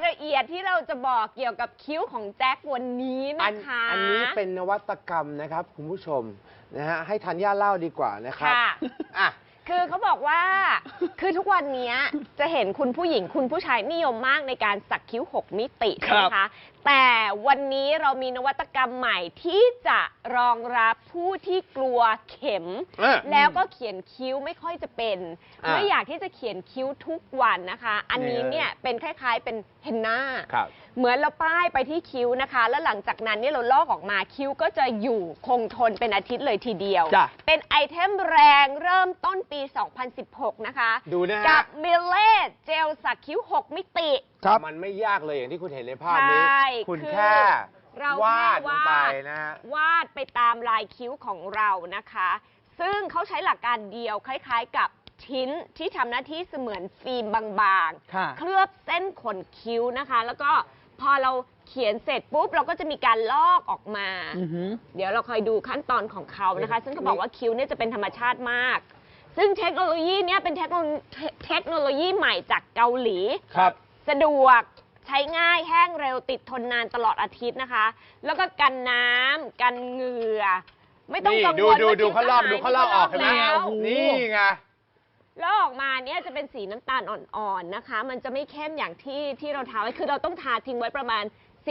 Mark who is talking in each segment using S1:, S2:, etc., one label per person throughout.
S1: ละเอียดที่เราจะบอกเกี่ยวกับคิ้วของแจ็ควันนี้นะคะ
S2: อันนี้เป็นนวัตกรรมนะครับคุณผู้ชมนะฮะให้ธัญญาเล่าดีกว่านะครับอ่ะ
S1: คือเขาบอกว่าคือทุกวันนี้จะเห็นคุณผู้หญิงคุณผู้ชายนิยมมากในการสักคิ้ว6มิตินะคะแต่วันนี้เรามีนวัตกรรมใหม่ที่จะรองรับผู้ที่กลัวเข็มแล้วก็เขียนคิ้วไม่ค่อยจะเป็นไม่อยากที่จะเขียนคิ้วทุกวันนะคะอันนี้เนี่ยเป็นคล้ายๆเป็นเฮนน่าเหมือนเราป้ายไปที่คิ้วนะคะแล้วหลังจากนั้นเนี่ยเราลอกออกมาคิ้วก็จะอยู่คงทนเป็นอาทิตย์เลยทีเดียวเป็นไอเทมแรงเริ่มต้นปี 2016 นะคะ
S2: ดูนะฮะ
S1: กับมิลเล่เจลสักคิ้ว6มิติ
S2: มันไม่ยากเลยอย่างที่คุณเห็นในภาพนี้คุณแค่วาดลงไปนะฮะ
S1: วาดไปตามลายคิ้วของเรานะคะซึ่งเขาใช้หลักการเดียวคล้ายๆกับชิ้นที่ทำหน้าที่เสมือนฟิล์มบางๆเคลือบเส้นขนคิ้วนะคะแล้วก็พอเราเขียนเสร็จปุ๊บเราก็จะมีการลอกออกมาเดี๋ยวเราคอยดูขั้นตอนของเขานะคะซึ่งเขาบอกว่าคิ้วเนี่ยจะเป็นธรรมชาติมากซึ่งเทคโนโลยีนี้เป็นเทคโนโลยีใหม่จากเกาหลีสะดวกใช้ง่ายแห้งเร็วติดทนนานตลอดอาทิตย์นะคะแล้วก็กันน้ำกันเหงื่อไม่ต้องกังวลว่า
S2: ดูเขาลอกออกเห็นไหมนี่ไง
S1: แล้วออกมาเนี่ยจะเป็นสีน้ำตาลอ่อนๆนะคะมันจะไม่เข้มอย่างที่เราทาไว้คือเราต้องทาทิ้งไว้ประมาณ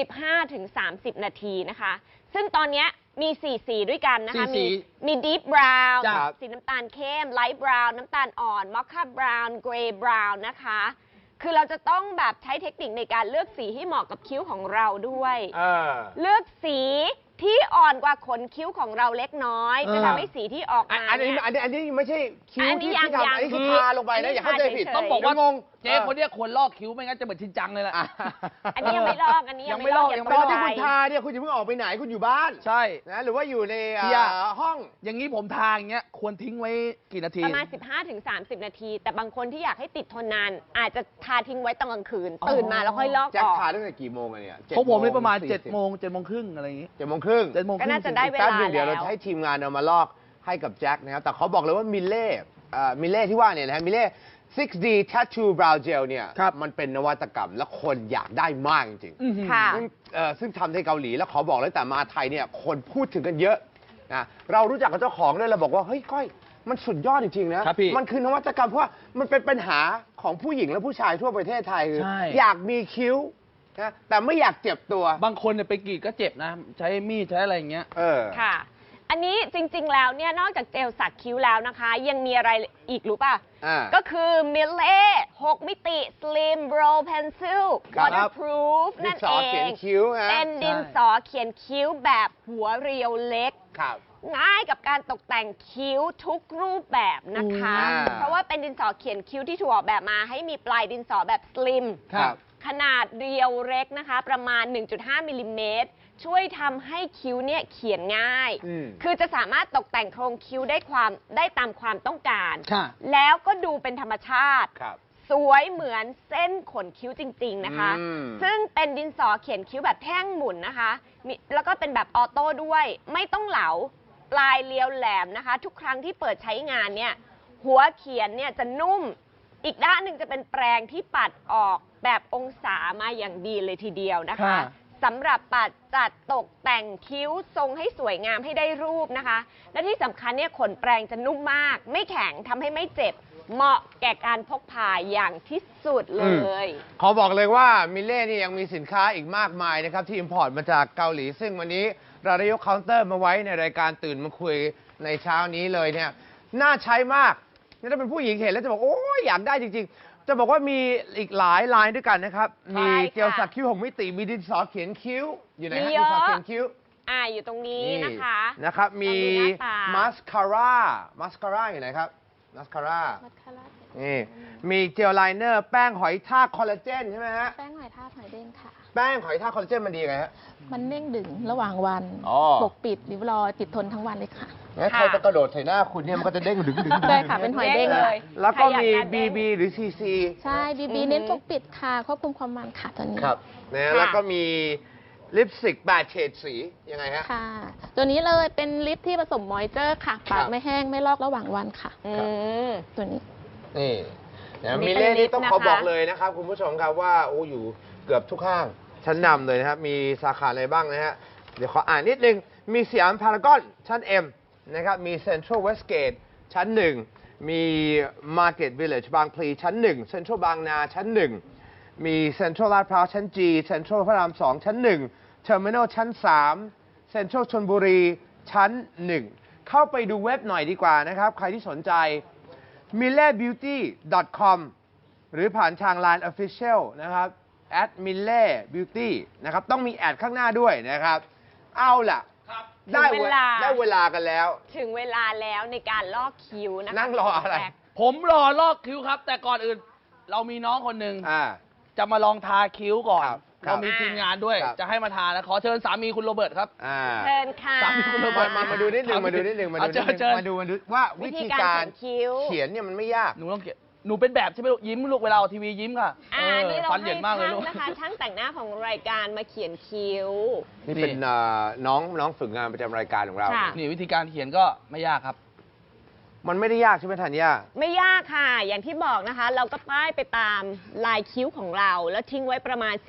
S1: 15-30 นาทีนะคะซึ่งตอนนี้มี4สีด้วยกันนะคะมีดีฟบราวน์สีน้ำตาลเข้มไลท์บราวน์น้ำตาลอ่อนมอคค่าบราวน์เกรย์บราวน์นะคะคือเราจะต้องแบบใช้เทคนิคในการเลือกสีให้เหมาะกับคิ้วของเราด้วยเลือกสีที่อ่อนกว่าขนคิ้วของเราเล็กน้อยจะทำให้สีที่ออกมา
S2: อันนี้ไม่ใช่คิ้วที่ทำอันนี้คือทาลงไปนะอย่าเข้าใจผิด
S3: ต้องบอกว่างงเจ๊คนนี้ควรลอกคิ้วไม่งั้นจะเหมือนชินจังเลยแหละ
S1: อันนี้ยังไม่ลอกอันนี้ยังไม่ลอก
S2: ตอนที่คุณทาเนี่ยคุณอย่าเพิ่งออกไปไหนคุณอยู่บ้าน
S3: ใช่
S2: นะหรือว่าอยู่ในห้อง
S3: อย่างนี้ผมทาอย่างเงี้ยควรทิ้งไว้กี่นาที
S1: ประมาณ 15-30 นาทีแต่บางคนที่อยากให้ติดทนนานอาจจะทาทิ้งไว้ตอนกลางคืนตื่นมาแล้วค่อยลอกออก
S2: แจ็คทาตั้งแต่กี่โมงเนี่ย
S3: ของผมเลยประมาณ7 โมงครึ่งอะไรอย่างงี้
S2: 7 โมงครึ่ง
S1: ก็น่าจะได้เวลาแล้ว
S2: เดี๋ยวเราให้ทีมงานเอามาลอกให้กับแจ็คนะครับแต่เขาบอกเลยว่ามิลเล่ที่ว่าเนี่ยนะฮะมิลเล่ 6D Tattoo Brow Gel เนี่ยมันเป็นนวัตกรรมและคนอยากได้มากจริงๆซึ่งทำในเกาหลีแล้วขอบอกเลยแต่มาไทยเนี่ยคนพูดถึงกันเยอะนะเรารู้จักกับเจ้าของด้วยเราบอกว่าเฮ้ยก้อยมันสุดยอดจริงๆนะมันคือนวัตกรรมเพราะว่ามันเป็นปัญหาของผู้หญิงและผู้ชายทั่วประเทศไทยอยากมีคิ้วนะแต่ไม่อยากเจ็บตัว
S3: บางคนเนี่ยไปกรีดก็เจ็บนะใช้มีดใช้อะไรอย่างเงี้ย
S1: ค่ะอันนี้จริงๆแล้วเนี่ยนอกจากเจลสักคิ้วแล้วนะคะยังมีอะไรอีกรู้ป่ะก็คือมิลเล่6มิติ Slim Brow Pencil Waterproof นั่นเองเป็นดินสอเขียนคิ้วแบบหัวเรียวเล็กง่ายกับการตกแต่งคิ้วทุกรูปแบบนะคะเพราะว่าเป็นดินสอเขียนคิ้วที่ถูกออกแบบมาให้มีปลายดินสอแบบ Slim ขนาดเรียวเล็กนะคะประมาณ 1.5 มิลลิเมตรช่วยทำให้คิ้วเนี่ยเขียนง่ายคือจะสามารถตกแต่งโครงคิ้วได้ตามความต้องการแล้วก็ดูเป็นธรรมชาติสวยเหมือนเส้นขนคิ้วจริงๆนะคะซึ่งเป็นดินสอเขียนคิ้วแบบแท่งหมุนนะคะแล้วก็เป็นแบบออโต้ด้วยไม่ต้องเหลาปลายเรียวแหลมนะคะทุกครั้งที่เปิดใช้งานเนี่ยหัวเขียนเนี่ยจะนุ่มอีกด้านหนึ่งจะเป็นแปรงที่ปัดออกแบบองศามาอย่างดีเลยทีเดียวนะคะสำหรับปัดจัดตกแต่งคิ้วทรงให้สวยงามให้ได้รูปนะคะและที่สำคัญเนี่ยขนแปรงจะนุ่มมากไม่แข็งทำให้ไม่เจ็บเหมาะแก่การพกพาอย่างที่สุดเลย
S2: ขอบอกเลยว่ามิลเล่นี่ยังมีสินค้าอีกมากมายนะครับที่อิมพอร์ตมาจากเกาหลีซึ่งวันนี้เราได้ยกเคาน์เตอร์มาไว้ในรายการตื่นมาคุยในเช้านี้เลยเนี่ยน่าใช้มากนี่ถ้าเป็นผู้หญิงเห็นแล้วจะบอกโอ้ยอยากได้จริงๆจะบอกว่ามีอีกหลายลายด้วยกันนะครับมีเจลสักคิ้ว6มิติมีดินสอเขียนคิ้วอยู่ไหนฮะดินสอเขียนคิ้ว
S1: อยู่ตรงนี้
S2: นะครับมีมาสคาร่าอยู่ไหนครับมาสคาร่านี่มีเจลไลเนอร์แป้งหอยทากคอลลาเจนใช่ไหมฮะ
S4: แป้งหอยทากหอยเด้งค่ะ
S2: แป้งหอยทากคอลลาเจนมันดีไงฮะ
S4: มันเด้งดึงระหว่างวันปกปิดริ้วรอยติดทนทั้งวันเลยค่ะ
S2: ใครจะกระโดดใส่หน้าคุณเนี่ยมันก็จะเด้งดึง
S4: ใช่ค่ะเป็นหอยเด้งเลย
S2: แล้วก็มี BB หรือ CC
S4: ใช่ BB เน้นปกปิดค่ะควบคุมความมันค่ะตัวนี้
S2: ครับนะแล้วก็มีลิปสติก8 เฉดสียังไงฮะ
S4: ค่ะตัวนี้เลยเป็นลิปที่ผสมมอยเจอร์ค่ะปากไม่แห้งไม่ลอกระหว่างวันค่ะตัวนี้
S2: นี่มิลเล่นี่ต้องขอบอกเลยนะครับคุณผู้ชมครับว่าโอ้อยู่เกือบทุกห้างชั้นนำเลยนะครับ มีสาขาอะไรบ้างนะฮะ เดี๋ยวขออ่านนิดนึง มีสยามพารากอนชั้น M นะครับ มีเซ็นทรัลเวสต์เกตชั้น 1 มี Market Village บางพลีชั้น 1 เซ็นทรัลบางนาชั้น 1 มีเซ็นทรัลลาดพร้าวชั้น G เซ็นทรัลพระราม 2 ชั้น 1 เทอร์มินอลชั้น 3 เซ็นทรัลชลบุรีชั้น 1 เข้าไปดูเว็บหน่อยดีกว่านะครับ ใครที่สนใจ millebeauty.com หรือผ่านทาง Line Official นะครับ @millebeauty นะครับ ต้องมีแอดข้างหน้าด้วยนะครับ เอาล่ะ ได้เวลากันแล้ว
S1: ถึงเวลาแล้วในการลอกคิ้วนะคะ
S2: นั่งรออะไร
S3: ผมรอลอกคิ้วครับ แต่ก่อนอื่น เรามีน้องคนหนึ่ง จะมาลองทาคิ้วก่อน
S2: ครับ
S3: เรามีทีมงานด้วย
S2: ครับ
S3: จะให้มาทานะขอเชิญสามีคุณโรเบิร์ตครับ
S1: เชิญค่ะ
S3: สามีคุณโรเบิร์ต
S2: มาดูนิดหนึ่งมาดูนิดหนึ่งมาดูนิดหนึ่ง
S3: เชิญ
S2: มาดูว่าวิธีการ
S1: วิธีการเขียนคิ้ว
S2: เขียนเนี่ยมันไม่ยาก
S3: หนูต้องเขียนหนูเป็นแบบใช่ไหมลูกยิ้มลูกเวลาออกทีวียิ้มค่ะ
S1: นี่เรา
S3: ฟันเห
S1: ให้
S3: ยินมากเลย
S1: ช่าง
S3: ลูก
S1: นะคะช่างแต่งหน้าของรายการมาเขียนคิ้ว
S2: นี่เป็นน้องฝึกงานประจำรายการของเรา
S1: ค่ะ
S3: นี่วิธีการเขียนก็ไม่ยากครับ
S2: มันไม่ได้ยากใช่ไหมธัญญา
S1: ไม่ยากค่ะ อย่างที่บอกนะคะ เราก็ป้ายไปตามลายคิ้วของเรา แล้วทิ้งไว้ประมาณ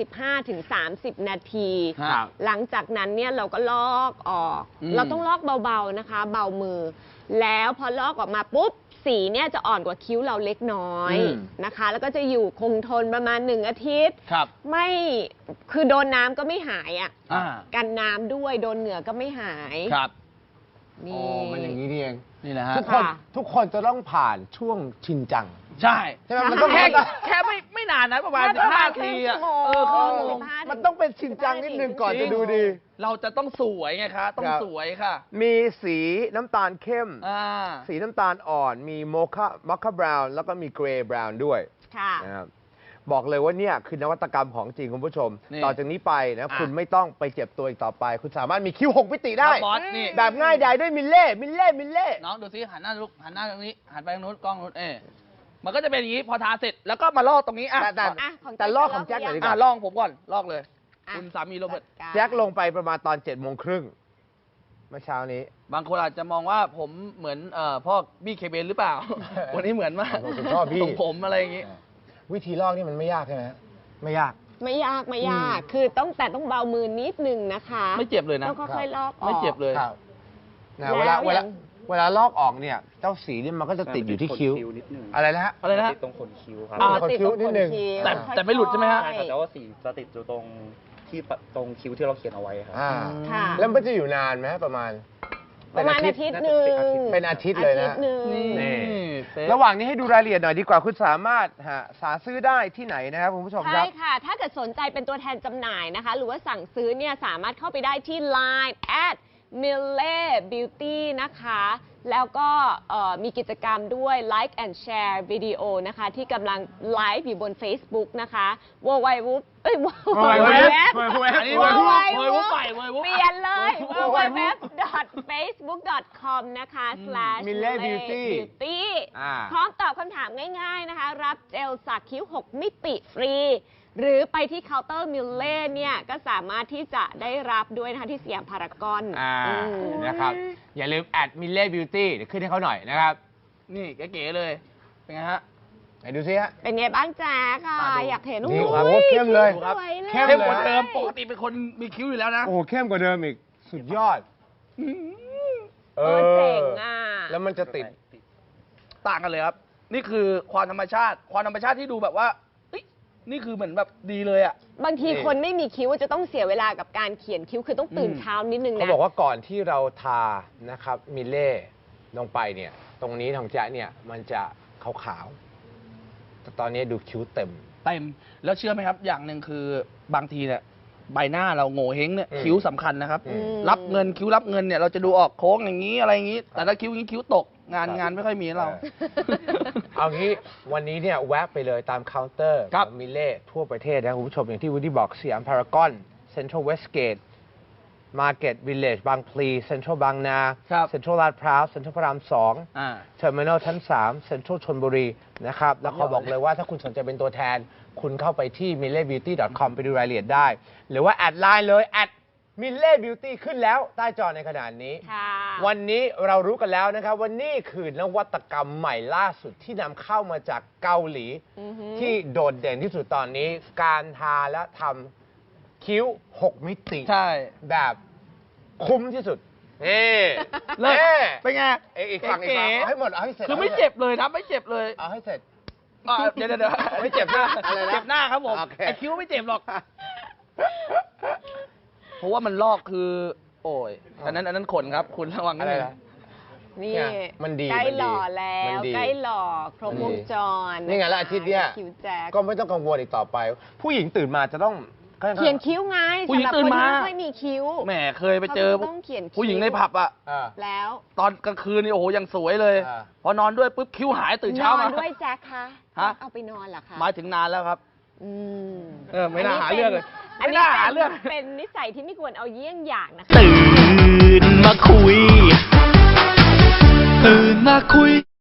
S1: 15-30 นาที
S3: ครับ
S1: หลังจากนั้นเนี่ยเราก็ลอกออก เราต้องลอกเบาๆนะคะ เบามือ แล้วพอลอกออกมาปุ๊บ สีเนี่ยจะอ่อนกว่าคิ้วเราเล็กน้อยนะคะ แล้วก็จะอยู่คงทนประมาณ1 อาทิตย์
S3: ครับ
S1: ไม่คือโดนน้ำก็ไม่หายอ่ะ
S3: อ่า
S1: กันน้ำด้วยโดนเหงื่อก็ไม่หาย
S3: ครับ
S1: นี่
S2: มันอย่างนี้นี่เอง
S3: นี่นะฮะ
S2: ทุกคนจะต้องผ่านช่วงชินจัง
S3: ใช่
S2: ใช่ไหมมันต้อง
S3: แค่ไม่นานนะประมาณ
S1: แค่ประมาณ
S3: 15 ทีอะ
S1: ครึ่งชั่วโมง
S3: ครึ่งชั่วโมง
S1: 15
S2: มันต้องเป็นชินจังนิดนึงก่อนจะดูดี
S3: เราจะต้องสวยไงคะ ต้อง
S2: ครับ
S3: สวยค่ะ
S2: มีสีน้ำตาลเข้ม
S3: า
S2: สีน้ำตาลอ่อน มีโมคาบราวน์แล้วก็มีเกรย์บราวน์ด้วย
S1: ค่ะ
S2: นะครับบอกเลยว่าเนี่ยคือนวัตกรรมของจริงคุณผู้ชม
S3: นี่
S2: ต่อจากนี้ไปนะคุณไม่ต้องไปเจ็บตัวอีกต่อไป คุณสามารถมีคิ้ว6 มิติได้
S3: บอสนี่
S2: แบบง่ายดายด้วยมิลเล่
S3: น้องดูซิหันหน้าลูกหันหน้าตรงนี้ หันไปทางนู้นกล้องนู้นมันก็จะเป็นอย่างนี้พอทาเสร็จแล้วก็มาลอกตรงนี้อ่ะ
S2: แต่
S1: อ่ะของแจ็ค
S2: แต่ลอกของแจ็คหน่อยดีกว่า
S3: ลอกผมก่อนลอกเลย
S1: อ่ะ
S3: คุณสามีโรเบิร์ต
S1: จัดาร
S2: แจ็คลงไปประมาณตอน7 โมงครึ่งเมื่อเช้านี้
S3: บางคนอาจจะมองว่าผมเหมือนพ่อบี้เคเบนหรือเปล่า วันนี้เหมือนมาก
S2: ผมชอบบี้
S3: ทรงผมอะไรอย่างงี้
S2: วิธีลอกนี่มันไม่ยากใช่ไหมไม่ยาก
S1: ไม่ยากไม่ยาก คือต้องเบามือนิดนึงนะคะ
S3: ไม่เจ็บเลยนะ
S1: ต้องค่อยๆลอกออก
S3: ไม่เจ็บเลย
S2: ครับนะ
S1: แล้ว
S2: เวลาลอกออกเนี่ยเจ้าสีเนี่ยมันก็จะติดอยู่ที่คิ้ว
S5: นิดนึง
S2: อะไรนะฮะ
S3: อะไรนะฮะ
S5: ติดตรงขนคิ้วครับ
S3: อ่า
S2: ขนคิ้วนิดนึง
S3: แต่ไม่หลุดใช่ไหมฮะ
S5: ใช่ครับแต่ว่าสีจะติดอยู่ตรงตรงคิ้วที่เราเขียนเอาไว้ครับ
S1: ค่ะ
S2: แล้วมันจะอยู่นานไหมประมาณ
S1: ประมาณอาทิตย์หนึ่ง
S2: เป็นอาทิตย์เลยนะ
S1: อาทิตย์หนึ่ง
S2: นี่
S3: เป๊ะ
S2: ระหว่างนี้ให้ดูรายละเอียดหน่อยดีกว่า คุณสามารถหาซื้อได้ที่ไหนนะครับคุณผู้ชมค
S1: ใช่
S2: รับ
S1: ค่ะ ถ้าเกิดสนใจเป็นตัวแทนจำหน่ายนะคะ หรือว่าสั่งซื้อเนี่ยสามารถเข้าไปได้ที่ Line @millebeauty นะคะ แล้วก็มีกิจกรรมด้วย Like and Share วิดีโอนะคะ ที่กำลังไลฟ์อยู่บน Facebook นะคะ www
S3: อันนี้
S1: www
S3: เวยวุ้บไปเวยวุ้บ
S1: เปลี่ยนเลย www.facebook.com นะคะ
S2: /millebeauty
S1: /millebeauty
S2: อ่า
S1: พร้อมตอบคำถามง่ายๆนะคะ รับเจลสักคิ้ว 6 มิติฟรี หรือไปที่เคาน์เตอร์มิลเล่เนี่ยก็สามารถที่จะได้รับด้วยนะคะที่สยามพารากอน
S2: นะครับ อย่าลืม@millebeauty เดี๋ยวขึ้นให้เขาหน่อยนะครับ
S3: นี่เก๋ๆเลย เป็นไงฮะ
S2: ไหนดูซิฮะ
S1: เป็นไงบ้างแจ๊กอ่ะ
S3: มาดู
S1: อยากเห็น
S2: นี่
S1: โอ้
S2: โอ้โหเข้มเลย
S1: สวยเลย
S2: เข้ม
S3: เข้มกว่าเดิมปกติเป็นคนมีคิ้วอยู่แล้วนะ
S2: โอ้โหเข้มกว่าเดิมอีก สุดยอด
S1: เจ๋งอ่ะ
S2: แล้วมันจะติด
S3: ต่างกันเลยครับ นี่คือความธรรมชาติ ความธรรมชาติที่ดูแบบว่าเอ้ยนี่คือเหมือนแบบดีเลยอ่ะ
S1: บางที
S2: นี่
S1: คนไม่มีคิ้วจะต้องเสียเวลากับการเขียนคิ้วคือต้องตื่นเช้านิดนึง
S2: เขา
S1: นะ
S2: บอกว่าก่อนที่เราทานะครับมิลเล่ลงไปเนี่ย ตรงนี้ของแจ๊ะเนี่ยมันจะขาวๆแต่ตอนนี้ดูคิ้วเต็ม
S3: เต็ม แล้วเชื่อไหมครับ อย่างหนึ่งคือบางทีเนี่ยใบหน้าเราโง่เฮงเนี่ย
S2: อืม
S3: คิ้วสำคัญนะครับ
S2: อืม
S3: รับเงินคิ้วรับเงินเนี่ยเราจะดูออกโค้งอย่างนี้อะไรอย่างนี้ แต่ถ้าคิ้วอย่างนี้คิ้วตกงานไม่ค่อยมีให้เรา
S2: เอางี้วันนี้เนี่ยแวะไปเลยตามเคาน์เตอร์
S3: ครั
S2: ข
S3: บ
S2: องมิลเล่ทั่วประเทศนะคุณผู้ชมอย่างที่วูดดี้บอกสยามพารากอนเซ็นทรัลเวสต์เกตมาร์เก็ตวิลเลจบางพลีเซ็นทรัลบางนา
S3: ครับ
S2: เซ็นทรัลลาดพร้าวเซ็นทรัลพระราม2
S3: อ่า
S2: เทอร์มินอลชั้น 3 เซ็นทรัลชลบุรีนะครับ แล้วเขาบอกเลยว่าถ้าคุณสนใจเป็นตัวแทน คุณเข้าไปที่ millebeauty.com ไปดูรายละเอียดได้ หรือว่าแอดไลน์เลยมิลเล่บิวตี้ขึ้นแล้วใต้จอในขณะนี้
S1: ค่ะ
S2: วันนี้เรารู้กันแล้วนะครับว่านี่คือนวัตกรรมใหม่ล่าสุดที่นำเข้ามาจากเกาหลี ที่โดดเด่นที่สุดตอนนี้ การทาและทำคิ้ว 6 มิติ
S3: ใช่
S2: แบบคุ้มที่สุดนี่
S3: เลิศ
S2: นี่
S3: เป็นไง
S2: อีกฝั่งเอาให้หมดเอาให้เสร็จ
S3: คือไม่เจ็บเลยนะไม่เจ็บเลย
S2: เอาให้เสร็จ
S3: เดี๋ยว
S2: ไม่เจ็บหน้าอะไรนะ
S3: เจ็บหน้าครับผม
S2: โอเค
S3: ไอคิ้วไม่เจ็บหรอก เพราะว่ามันลอกคือ โอ้ยอันนั้นขนครับ คุณระวังนิด
S2: อะไร
S3: นึง
S2: นะ
S1: นี่
S2: เนี่ยมันดี
S1: ใกล้
S2: มันดี
S1: หล่อแล้
S2: มัน
S1: ว
S2: ดี
S1: ใกล้หล่อครบวงจร
S2: นี่ไงแล้วอาทิตย์เนี้ย
S1: คิ้วแจ็ค
S2: ก็ไม่ต้องกังวลอีกต่อไป ผู้หญิงตื่นมาจะต้อง
S1: เขียนคิ้วไง
S3: ผู้หญิง
S1: สำรับ
S3: ตื่นมา
S1: คที่ไม่ค่อยมีคิ้ว
S3: แหมเคยไปเจอ
S1: เขาก็ต้องเขียนคิ้ว
S3: ผู้หญิงในผับอะ
S1: แล้ว
S3: ตอนกลางคืนนี่โอ้โหยังสวยเลย
S2: อ่า
S3: พอนอนด้วยปุ๊บคิ้วหายตื่นเช้าน
S1: อ
S3: มา
S1: นด้วยแจ็คคะ
S3: ฮะ
S1: เอาไปนอนเหรอคะ
S3: หมายถึงนานแล้วครับ
S1: อืม
S3: ไม่น่าหาเรื่องเลย
S1: อัน
S3: ไม่
S1: นี้
S3: น่าหาเรื่อง
S1: เป็นนิสัยที่ไม่ควรเอาเยี่ยงอย่างนะคะ
S6: ตื่นมาคุย ตื่นมาคุย